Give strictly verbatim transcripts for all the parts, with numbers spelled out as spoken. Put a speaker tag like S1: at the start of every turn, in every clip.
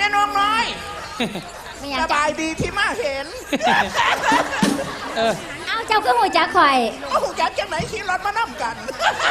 S1: น้องน้อยสบายดีที่มาเห็น
S2: เอาเจ้าก็หัวจักข่อย
S1: ก็หัวจักจังไหนขี่รถมานั่งกัน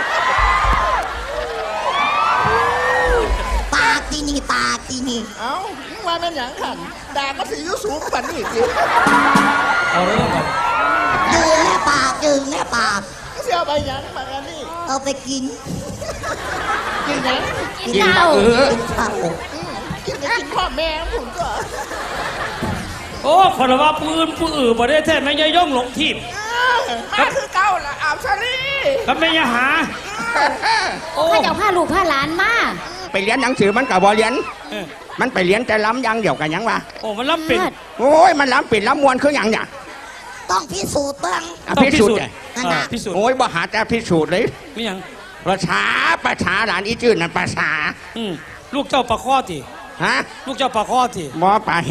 S3: ปากที่นี่ปากที่นี่
S1: เอ้าว่าเป็นอย่างขันด่าก็สียุสูงกว่านี่สิ
S4: เอาเรื่องก่อน
S3: ดึงแน่ปากดึงแน่ปาก
S1: เสียไปยังมากันนี่
S3: เอาไปกิน
S1: กินยัง
S2: กินข้าว
S3: กินข้าว
S1: กินไปกินพ่อแม่ผมก็
S4: โอ้ขอรับว่าปืนปืนอื่นประเทศแท้ไม่ย่องหลงทิพย์
S1: มาคือเก่าละอาบชาลี
S4: ก็ไม่ยาหา
S2: ข้าเจ้าผ้าลูกผ้าหลานมา
S5: ไปเรียนหนังสือมันกับบอเรียนมันไปเรียนแต่ล้ำยังเดี่ยวกันยังวะ
S4: โอ้มันล้ำปิด
S5: โอ้ยมันล้ำปิดล้ำมวนคืออย่างเนี่ย
S3: ต้องพิสูจน์บ้าง
S5: พิสูจน์
S4: พิสูจน์
S5: โอ้ยบ่หาแต่พิสูจน์เลย
S4: นี่ยัง
S5: ประชาประชาหลานอีจื้อนั่นประชา
S4: ลูกเจ้าปลาข้อที
S5: ฮะ
S4: ลูกเจ้าปลาข้อที
S5: บ่ปลาแห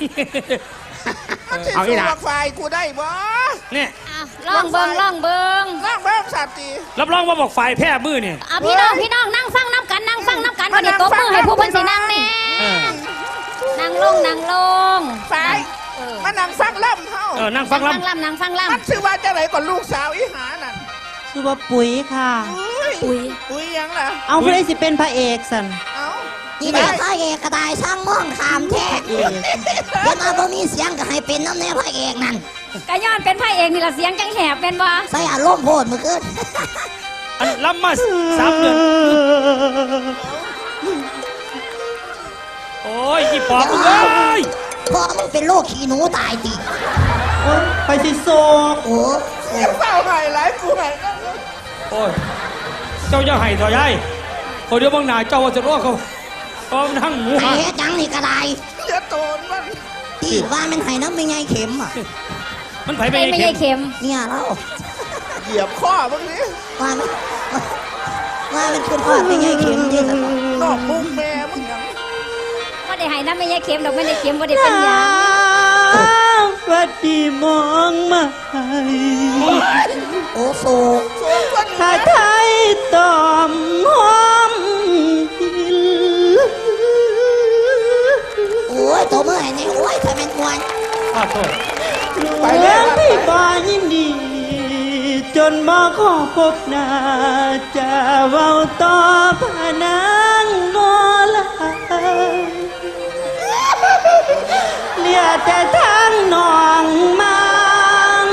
S1: เอาอีหล่ะไฟกูได้บ่
S4: เนี่ย
S2: ล่องเบิงล่องเบิง
S1: ล่องเบิงสัตว์ตี
S4: รับรองว่าบอกไฟแพร่มือเนี่ย
S2: พี่น้องพี่น้องนั่งฟังน้ำกันนั่งฟังน้ำกันวันนี้ตบมือให้ผู้พันสีนั่งแน่นั่งลงนั่งลง
S1: ไฟมานั่งฟังล่ำเฮา
S4: เออนั่งฟังล่ำ
S2: นั่งฟังล่ำ
S1: มันชื่อว่าจะไหนก่อนลูกสาวอีหานั่น
S6: ชื่อว่าปุ๋ยค่ะ
S2: ปุ๋ย
S1: ปุ๋ยยังล่ะ
S6: เอาเพื่อสิเป็นพระเอกสัน
S1: เอา
S3: นี่แหละพระเอกกระต่ายช่างม่องขามแท้เดี๋ยวมาบ่มีเสียงก็ให้เป็นน้ำแน่พระเอกนั่น
S2: กะย้อนเป็นพระเอกนี่ละเสียงจังแหบเป็นบ่
S3: ใส่อารมณ์โพดมือขึ้น
S4: อันล้ำมาสามเดือนโอ้ยอีปอบเลย
S3: พ่อมึงเป็นโรคขี้หนูตายดิ
S6: ไปสิโซ
S3: โอ้
S1: เสียงเศร้าไห้หลายกูไห้
S4: โอ้ยเจ้าอย่าไห้ต่อยายคนเดียวบางนาเจ้าว่าจะรอดเขาก็นั่งหมู
S3: หันไอ้จังนี่กระได
S1: เดี๋ยวโตนมัน
S3: ตีว่ามันไห้น้ำไม่ไงเข็มอ่ะ
S4: มันไผ่ไม่
S2: ไงเข็ม
S3: เนี่ยเรา
S1: เหยียบข้อบ้างนี้
S3: ว่ามันว่ามันขึ้นข้อไม่ไงเข็มที่สุด
S1: นอกมุ้งแม่มึงยัง
S2: ว่าได้ไห้น้ำไม่ไงเข็มดอกไม่ได้เข็มว่าได้เป็นยา
S6: วัดดีมองมา
S3: โอ้โซ
S6: ถ้าไทยตอมหอม
S3: โอ้ยตัวเมื่อไหร่นี่โอ้ยทำเป็นมวน
S6: ไปแล้วพี่บายินดีจนมาขอพบหน้าจะเว้าต่อพนังนอลาเลียแต่ทางนองมัง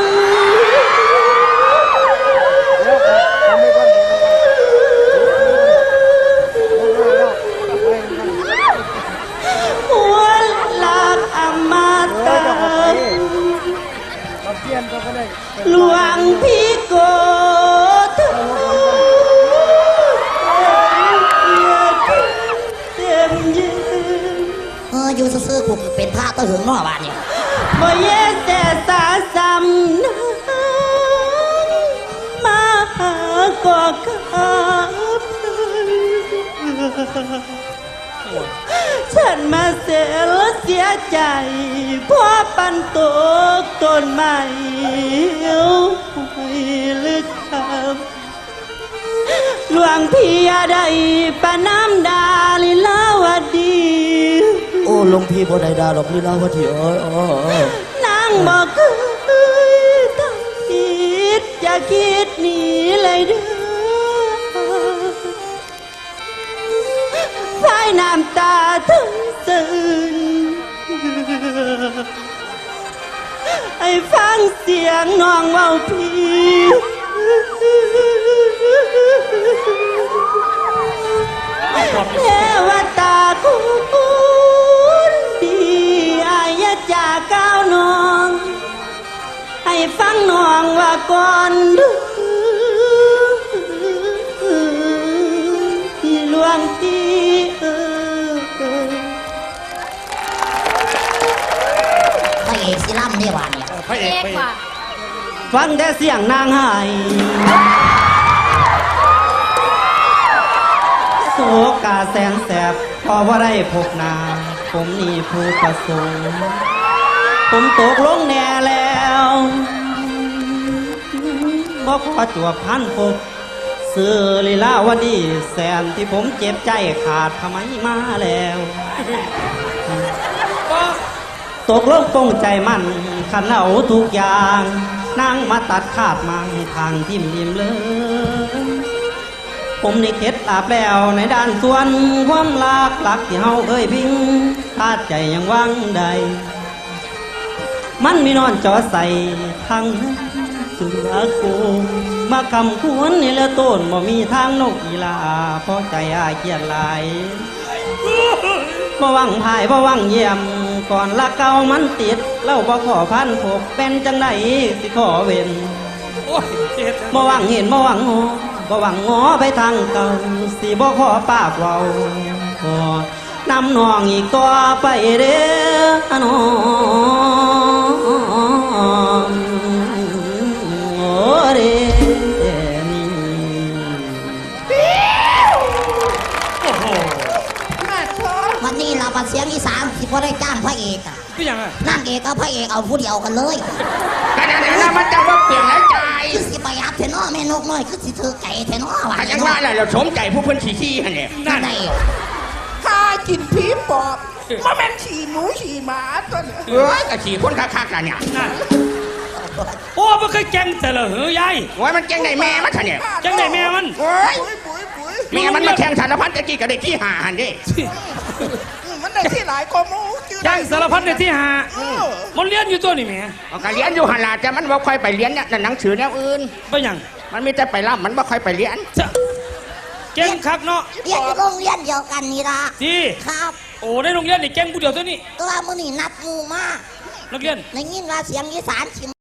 S6: หัวหลักอมตะหลวงพี่โกธเต็มยืน
S3: เอออยู่ซื่อๆกูเป็นพระตะหึงนอกบ้านเนี่ย
S6: บ่เย่แต่สาซ้ำนั้นมาหาก็ครับฉันมาเสียและเสียใจเพราะปันตกต้นไม้ไม่ลึกคำหลวงพี่ใดปะน้ำดาลิลาวดี
S7: โอ้หลวงพี่บ่ได้ดาหรอกลิลาวดีเอ้ย
S6: นางบอกเคยตั้งคิดจะคิดหนีเลยเด้อสายน้ำตาถึงตื่นให้ฟังเสียงน้องเว้าพี่เทวตาคุณดีอายะจากก้าวน้องให้ฟังน้องว่าก่อนหลวงพี่
S3: พระเอกสิล่ำได้หวานเนี่ย
S4: พระเอกว่ะ
S6: ฟังแต่เสียงนางไห้โศกาแสนแสบพอว่าได้พบนาผมนี่ผู้ประสงค์ผมตกลงแน่แล้วบอกขอจวบพันพบซื้อลีลาวดีแสนที่ผมเจ็บใจขาดทำไมมาแล้วตกลงปรงใจมันขันเอาทุกอย่างนางมาตัดขาดมังทางทิมริมเลยผมนี่เข็ดลาบแล้วในด้านส่วนความรักหลักที่เฮาเคยพิงทาดใจยังวังใดมันมีนอนจอใส่ทางเสือโกมาคำควรนี่ละต้นบ่มีทางนกอีลาเพราะใจอายเกียดหลายบ่หวังพายบ่หวังเยี่ยมก่อนละเก่ามันติดเล่าบ่ขอพันพบเป็นจังไดสิขอเว้น
S4: โอ้ยเจ็ด
S6: บ่หวังเห็นบ่หวังงอบ่หวังงอไปทางเก่าสิบ่ขอปากเว้าขอนำน้องอีกต่อไปเด้อน้องโอ้เด้นี่
S4: โอ้โห
S1: มาโทษ
S3: วันนี้เราบัดเสียงอีสานที่พอได้จ้างพระเอกอะ
S4: เป็นยังไง
S3: นางเอกกับพระเอกเอาผู้เดียวกันเลย
S5: แต่เดี๋ยวนี้นะมันจะว่าเปลี่ยนแล้วใจ
S3: คือสิประหยัดเทนอแม่นกน้อยคือสิถือไก่เทนอว่า
S5: อาจารย์ว่าอะไรเราสมใจผู้เพิ่นขี้ขี้ฮะเนี่ย
S3: นั่นไง
S1: ข้ากินผีปอบมาแม่นฉี่หมูฉี่หมาตัวเนี่ย
S5: เอ้ยกะขี่คนคักๆน่ะเนี่ย
S4: นั่นโอ้มันเคยแกงแต่ละเฮ้ยยาย
S5: โอ้ยมันเจ๊งในแม่มันฮะเนี่ย
S4: แกงไหนแม่มัน
S5: โอ้ย
S1: ปุ๋ยปุ๋ยปุ๋ย
S5: แม่มันมาแข่งสารพัดตะกี้ก็ได้ที่หาหันดิ
S1: อืมมันได้ที่หลายกว่าหมูชื่อ
S4: แกงสารพัดในที่หา
S1: เออ
S4: มันเลี้ยนอยู่ตัวนี่แหม่
S5: เอาก็เรียนอยู่หันล่ะแต่มันบ่ค่อยไปเรียนเนี่ยหนังสือแนวอื่น
S4: เป็นยัง
S5: มันมีแต่ไปร่ำมันบ่ค่อยไปเรียน
S4: จะแกงคักเนาะ
S3: เรียนอยู่โรงเรียนเดียวกันนี่ละ
S4: จี
S3: ครับ
S4: โอ้ในโรงเรียนนี่แกงผู้เดียวตัวนี้
S3: ตัวมือนี่นัดหมูมา
S4: นักเรียน
S3: ในยินว่าเสียงอีสานชิ